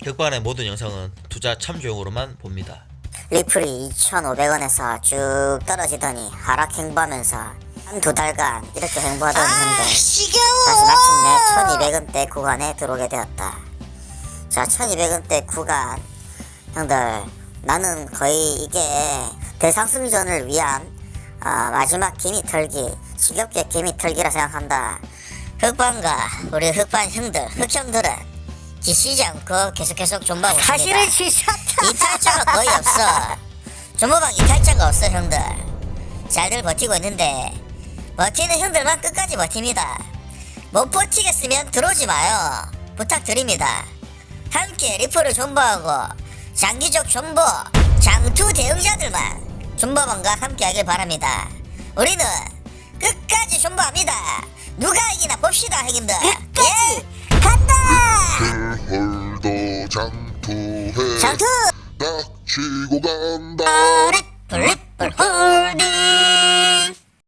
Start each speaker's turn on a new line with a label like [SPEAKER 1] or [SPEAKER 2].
[SPEAKER 1] 흑반의 모든 영상은 투자 참조용으로만 봅니다.
[SPEAKER 2] 리플이 2,500원에서 쭉 떨어지더니 하락 행보하면서 한 두 달간 이렇게 행보하던 형들 다시 마침내 1,200원대 구간에 들어오게 되었다. 자, 1,200원대 구간 형들, 나는 거의 이게 대상승전을 위한 마지막 개미 털기, 지겹게 개미 털기라 생각한다. 흑반과 우리 흑반 형들, 흑형들은 지치지 않고 계속 존버하고 있습니다.
[SPEAKER 3] 사실은 지쳤다.
[SPEAKER 2] 이탈자가 거의 없어. 존버방 이탈자가 없어 형들. 잘들 버티고 있는데 버티는 형들만 끝까지 버팁니다. 못 버티겠으면 들어오지 마요. 부탁드립니다. 함께 리플을 존버하고 장기적 존버, 장투 대응자들만 존버방과 함께 하길 바랍니다. 우리는 끝까지 존버합니다. 누가 이기나 봅시다 형님들.
[SPEAKER 3] 끝까지
[SPEAKER 2] 간다.
[SPEAKER 4] 홀도 장투해
[SPEAKER 2] 장투
[SPEAKER 4] 닥치고 간다
[SPEAKER 2] 블립